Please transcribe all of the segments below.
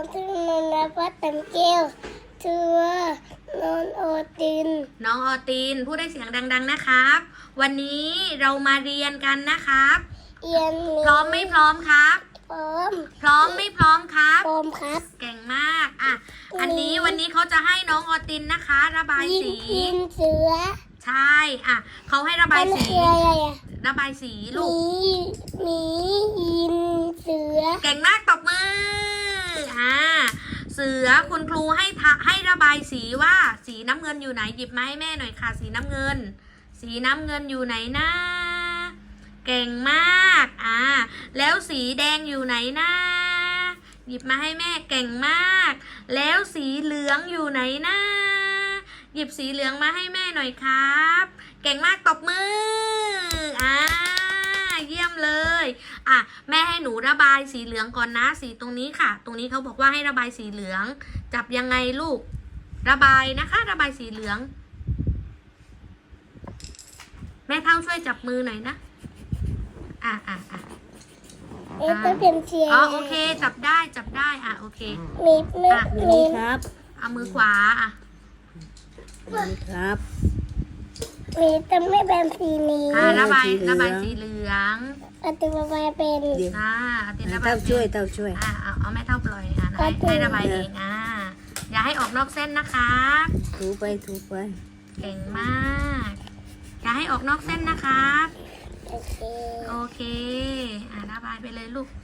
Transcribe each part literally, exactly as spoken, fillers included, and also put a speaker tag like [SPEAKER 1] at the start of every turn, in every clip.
[SPEAKER 1] ชื่อนนพัฒน์เต็มแก้วชื่อว่านนโอติน
[SPEAKER 2] น้องออตินพูดได้เสียงดังๆนะครับ วันนี้เรามาเรียนกันนะครับ
[SPEAKER 1] เรียน
[SPEAKER 2] พร้อมไม่พร้อมครับ
[SPEAKER 1] พร้อม
[SPEAKER 2] พร้อมไม่พร้อมครับ
[SPEAKER 1] พร้อมครับ
[SPEAKER 2] เก่งมากอ่ะอันนี้วันนี้เขาจะให้น้องออตินนะคะ ระบายสี
[SPEAKER 1] ยินเสือ
[SPEAKER 2] ใช่อ่ะเขาให้ระบายสีระบายสีลูก
[SPEAKER 1] หมียินเสือ
[SPEAKER 2] เก่งมากตบมืออ่าเสือคุณครูให้ให้ระบายสีว่าสีน้ำเงินอยู่ไหนหยิบมาให้แม่หน่อยค่ะสีน้ำเงิน สีน้ำเงินอยู่ไหนนะเก่งมากอ่าแล้วสีแดงอยู่ไหนนะหยิบมาให้แม่เก่งมากแล้วสีเหลืองอยู่ไหนนะหยิบสีเหลืองมาให้แม่หน่อยครับเก่งมากตบมืออ่าเยี่ยมเลยอ่ะแม่ให้หนูระบายสีเหลืองก่อนนะสีตรงนี้ค่ะตรงนี้เขาบอกว่าให้ระบายสีเหลืองจับยังไงลูกระบายนะคะระบายสีเหลืองแม่เท่าช่วยจับมือหน่อยนะอ่ะอ่ะอ่ะ
[SPEAKER 1] เอ๊ะต้องเป็นเชียร์
[SPEAKER 2] อ๋อโอเคจับได้จับได้อ่ะโอเค
[SPEAKER 1] มีมีมี
[SPEAKER 3] ครับ
[SPEAKER 2] เอามือขวาอ่ะ
[SPEAKER 3] มีครับ
[SPEAKER 1] มีแต่ไม่เป็นสีนี้
[SPEAKER 2] อ่ะระบายระบายสีเหลือง
[SPEAKER 1] อาติระบายเป็น
[SPEAKER 2] อ่าอาติระบาย
[SPEAKER 3] เต้าช่วยเต้าช่วย
[SPEAKER 2] อ่ะเอาเอาแม่เท่าปล่อยอ่ะให้ให้ระบายเองอ่ะอย่าให้ออกนอกเส้นนะคะ
[SPEAKER 3] ถูไปถูไป
[SPEAKER 2] เก่งมากอย่าให้ออกนอกเส้นนะครับ
[SPEAKER 1] โอเค
[SPEAKER 2] โอเคอ่ะระบายไปเลยลูก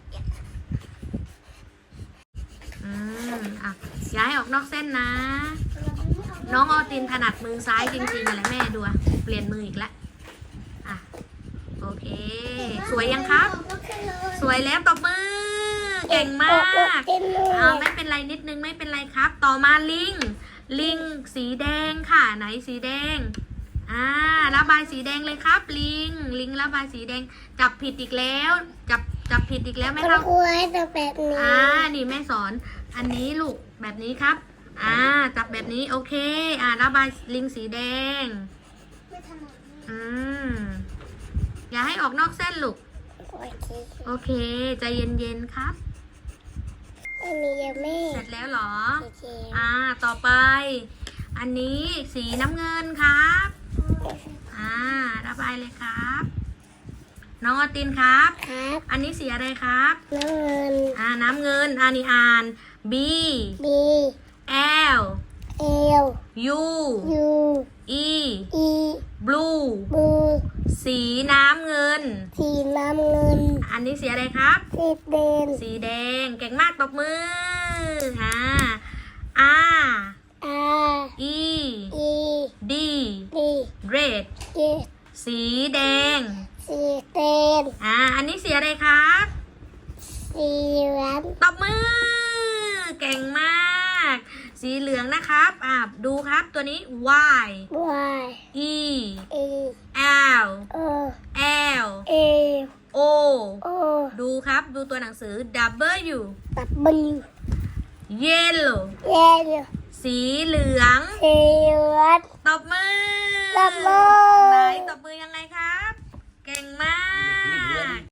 [SPEAKER 2] อืมอ่ะอย่าให้ออกนอกเส้นนะน้องออตินถนัดมือซ้ายจริงๆเลยแม่ดูอ่ะเปลี่ยนมืออีกแล้วอ่ะโอเคสวยยังครับสวยแล้วตบมือเก่งมากอ่าไม่เป็นไรนิดนึงไม่เป็นไรครับต่อมาลิงลิงสีแดงค่ะไหนสีแดงอ่าระบายสีแดงเลยครับลิงลิงระบายสีแดงจับผิดอีกแล้วจับจับผิดอีกแล้วแม่ครับ
[SPEAKER 1] ครูให้ตัวแบบนี้
[SPEAKER 2] อ่านี่แม่สอนอันนี้ลูกแบบนี้ครับอ่าจับแบบนี้โอเคอ่าระบายลิงสีแดงอืมอย่าให้ออกนอกเส้นลูกโอเคใจเย็นๆครับ
[SPEAKER 1] อันนี้ยังไม่
[SPEAKER 2] เสร็จแล้วเหรออ่าต่อไปอันนี้สีน้ำเงินครับอ่าระบายเลยครับน้องอตินครับ
[SPEAKER 1] ครับ
[SPEAKER 2] อันนี้สีอะไรครับ
[SPEAKER 1] น้ำเงิน
[SPEAKER 2] อ่าน้ำเงินอันนี้อ่าน B
[SPEAKER 1] B
[SPEAKER 2] L
[SPEAKER 1] L
[SPEAKER 2] U
[SPEAKER 1] U
[SPEAKER 2] E
[SPEAKER 1] E
[SPEAKER 2] blue
[SPEAKER 1] บู
[SPEAKER 2] สีน้ำเงิน
[SPEAKER 1] สีน้ำเงิน
[SPEAKER 2] อันนี้สีอะไรครับ
[SPEAKER 1] สีแดง
[SPEAKER 2] สีแดงเก่งมากตบมืออ่า R
[SPEAKER 1] R
[SPEAKER 2] E
[SPEAKER 1] E
[SPEAKER 2] D
[SPEAKER 1] D
[SPEAKER 2] red
[SPEAKER 1] D
[SPEAKER 2] สีแดง
[SPEAKER 1] สีแดง
[SPEAKER 2] อ่าอันนี้สีอะไรครับ
[SPEAKER 1] สีเหลือง
[SPEAKER 2] ตบมือเก่งมากสีเหลืองนะครับอ่าดูครับตัวนี้ Y
[SPEAKER 1] Y
[SPEAKER 2] E
[SPEAKER 1] E
[SPEAKER 2] L
[SPEAKER 1] O
[SPEAKER 2] L
[SPEAKER 1] A
[SPEAKER 2] O
[SPEAKER 1] O
[SPEAKER 2] ดูครับดูตัวหนังสือ W
[SPEAKER 1] ตับบัน
[SPEAKER 2] Yellow
[SPEAKER 1] เย็น
[SPEAKER 2] สีเหลือง
[SPEAKER 1] สีเหลือง
[SPEAKER 2] ตบมือ
[SPEAKER 1] ตบมือ
[SPEAKER 2] ไหนตบมือยังไงครับ เก่งมาก